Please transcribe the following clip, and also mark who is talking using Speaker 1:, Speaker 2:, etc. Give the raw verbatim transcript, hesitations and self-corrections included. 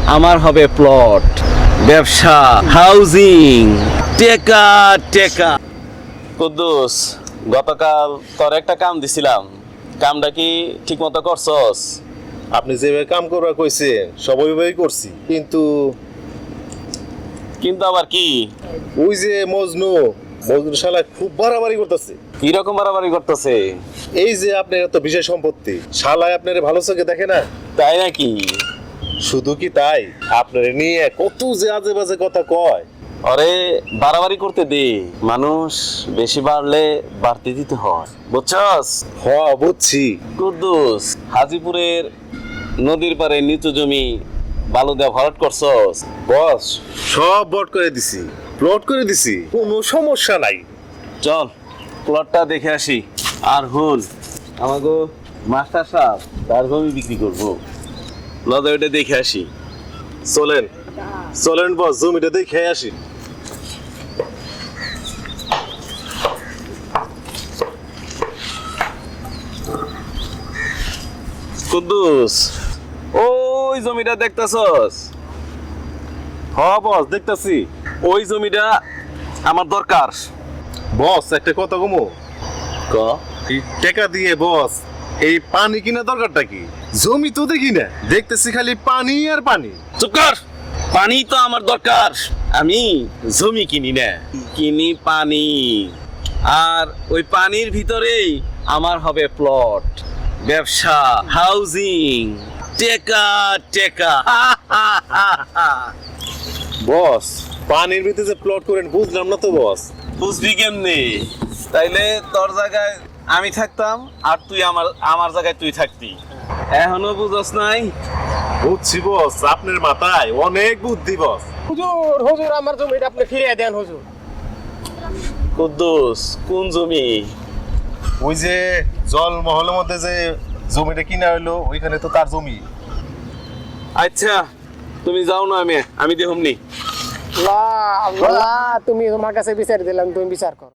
Speaker 1: আমার হবে প্লট, ব্যবসা, হাউজিং, টেকা টেকা। কুদ্দুস, গতকাল তোর একটা কাম দিছিলাম, কামটা কি ঠিক মতো করছস?
Speaker 2: আপনি যেভাবে কাম করবার কইছেন সব ওইভাবেই করছি, কিন্তু
Speaker 1: কিন্তু আবার কি?
Speaker 2: ওই যে মজনু মজনু শালা খুব বাড়াবাড়ি করতেছে।
Speaker 1: কি রকম বাড়াবাড়ি করতেছে?
Speaker 2: এই যে আপনার এত বিশেষ সম্পত্তি, শালায় আপনার ভালো চোখে দেখে না।
Speaker 1: তাই নাকি?
Speaker 2: শুধু কি তাই, আপনার নিয়ে কত যে আজে বাজে কথা কয়।
Speaker 1: আরে বাড়াবাড়ি করতে দে, মানুষ বেশি বাড়লে বাড়তে দিতে হয়, বুঝছস?
Speaker 2: হ বুঝছি।
Speaker 1: কুদ্দুস, হাজিপুরের নদীর পারে নিচু জমি বালু দেওয়া ভরাট করছস?
Speaker 2: বস সব বট করে দিছি, প্লট করে দিছি, কোনো সমস্যা নাই।
Speaker 1: চল প্লটটা দেখে আসি। আর হুন, আমাকে মাস্টার সাহেব তার জমি বিক্রি করবো, লদা ওইটা দেখে আসি।
Speaker 2: চলেন চলেন বস, জমিটা দেখে আসি।
Speaker 1: কুদ্দুস, ওই জমিটা দেখতাছস?
Speaker 2: হ বস দেখতাছি।
Speaker 1: ওই জমিটা আমার দরকার।
Speaker 2: বস একটা কথা কমো,
Speaker 1: ক
Speaker 2: এই টাকা দিয়ে বস এই পানি কিনা দরকারটা কি? জমি তো দেখি না, দেখতেছি খালি পানি আর পানি।
Speaker 1: চুপ কর। পানি তো আমার দরকার, আমি জমি কিনি না, কিনি পানি। আর ওই পানির ভিতরেই আমার হবে প্লট, ব্যবসা, হাউজিং, টেকা টেকা।
Speaker 2: বস পানির ভিতরে যে প্লট করেন বুঝলাম না তো বস।
Speaker 1: বুঝবি কেমনে? তাইলে তোর জায়গায় আমি থাকতাম আর তুই আমার আমার জায়গায় তুই থাকতি। এখনো বুঝস নাই?
Speaker 2: বুঝছি বস, আপনার মাথায় অনেক বুদ্ধি বস।
Speaker 3: হুজুর হুজুর আমার জমিটা আপনি ফিরিয়ে দেন হুজুর।
Speaker 1: কুদ্দুস, কোন জমি?
Speaker 2: ওই যে জল মহলের মধ্যে যে জমিটা কিনা হইলো, ওইখানে তো তার জমি।
Speaker 1: আচ্ছা তুমি যাও না, আমি আমি দেহমনি।
Speaker 3: আল্লাহ আল্লাহ, তুমি তোমার কাছে বিচার দিলাম, তুমি বিচার করো।